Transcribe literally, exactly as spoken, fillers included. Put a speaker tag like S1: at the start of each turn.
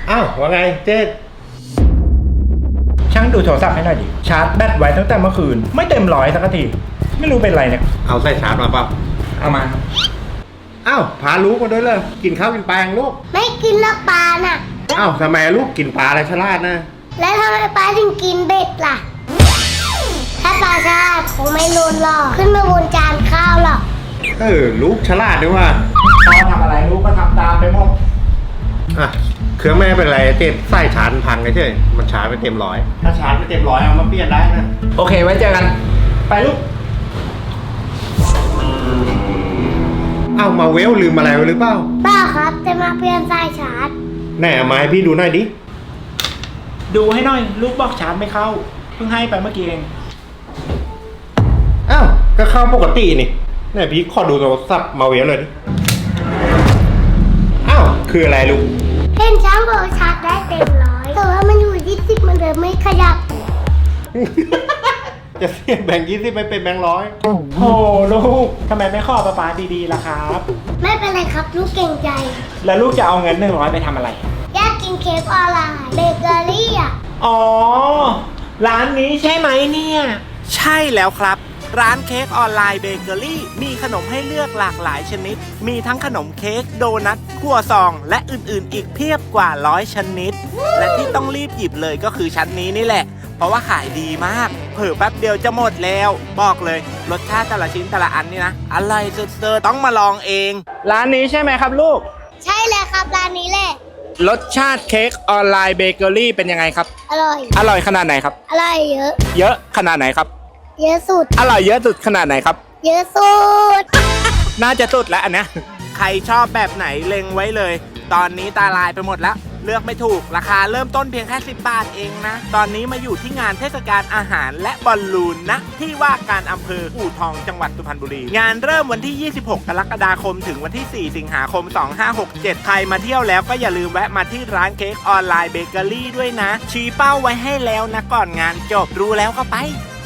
S1: อ้าวว่าไงเจ๊
S2: ช่างดูโทรศัพท์ให้หน่อยดิชาร์จแบตไว้ตั้งแต่เมื่อคืนไม่เต็มร้อยสักทีไม่รู้เป็นไรเนี่ย
S1: เอาใส่ชาร์จมาเปล่า
S2: เอามา
S1: อ้าวพาลูกมาด้วยเลยกินข้าวกินปลาอย่างลูก
S3: ไม่กินแล้วปลาน่ะ
S1: อ้าวทำไมลูกกินปลาอะไรฉลาดนะ
S3: แล้วทำไมปลาถึงกินเบ็ดล่ะถ้าปลาฉลาดคงไม่โดนหรอกขึ้นมาบนจานข้าวหรอก
S1: เออลูกฉลาดด้วยว่า
S2: พ่อทำอะไรลูกก็ทำตามไปหมด
S1: อ่ะเครื่องแม่เป็นไรเต็มไส้ชาร์จพังเฉยมันชาร์จไม่เต็มร้อยถ้าชาร์จไม่เต็มร้อยเอามาเปลี่ยนได้นะ
S2: โอเคไว้เจอกันไปลูก
S1: อ้าวมาเวลลืมอะไรไว้หรือเปล่า
S3: เปล่าครับจะมาเปลี่ยนสายชาร์จ
S1: ไหนเอามาให้พี่ดูหน่อยดิ
S2: ดูให้หน่อยลูกบอกชาร์จไม่เข้าเพิ่งให้ไปเมื่อกี้เอง
S1: อ้าวก็เข้าปกตินี่ไหนพี่ขอดูโทรศัพท์มาเวลเลยดิอ้าวคืออะไรลูก
S3: เห็นช้างบอกชาร์จได้เต็มร้อยแต่ว่ามันอยู่ยี่สิบมันเดิมไม่ขยับ
S1: จะเสียแบ่งยี่สิบไม่เป็นแบ่งร้อย
S2: โอ้โหลูกทำไมไม่ขอป้าป้าดีๆล่ะครับ
S3: ไม่เป็นไรครับลูกเก่งใจ
S2: แล้วลูกจะเอาเงินหนึ่งร้อยไปทำอะไร
S3: อยากกินเค้กออนไลน์เบเกอรี่อ่ะ
S2: อ๋อร้านนี้ใช่ไหมเนี่ย
S4: ใช่แล้วครับร้านเค้กออนไลน์เบเกอรี่มีขนมให้เลือกหลากหลายชนิดมีทั้งขนมเค้กโดนัทครัวซองและอื่นๆอีกเพียบกว่าร้อยชนิดและที่ต้องรีบหยิบเลยก็คือชั้นนี้นี่แหละเพราะว่าขายดีมากเผลอแป๊บเดียวจะหมดแล้วบอกเลยรสชาติแต่ละชิ้นแต่ละอันนี่นะอร่อยสุดๆต้องมาลองเอง
S2: ร้านนี้ใช่ไหมครับลูก
S3: ใช่เลยครับร้านนี้แหละ
S2: รสชาติเค้กออนไลน์เบเกอรี่เป็นยังไงครับ
S3: อร่อย
S2: อร่อยขนาดไหนครับ
S3: อร่อยเยอะ
S2: เยอะขนาดไหนครับ
S3: เยอะสุด
S2: อร่อยเยอะสุดขนาดไหนครับ
S3: เยอะสุด
S2: น่าจะสุดแล้วอันเนี้ย
S4: ใครชอบแบบไหนเล็งไว้เลยตอนนี้ตาลายไปหมดแล้วเลือกไม่ถูกราคาเริ่มต้นเพียงแค่สิบบาทเองนะตอนนี้มาอยู่ที่งานเทศกาลอาหารและบอลลูนนะที่ว่าการอำเภออู่ทองจังหวัดสุพรรณบุรีงานเริ่มวันที่ยี่สิบหกกรกฎาคมถึงวันที่สี่สิงหาคมสองห้าหกเจ็ดใครมาเที่ยวแล้วก็อย่าลืมแวะมาที่ร้านเค้กออนไลน์เบเกอรี่ด้วยนะชี้เป้าไว้ให้แล้วนะก่อนงานจบรู้แล้วก็ไป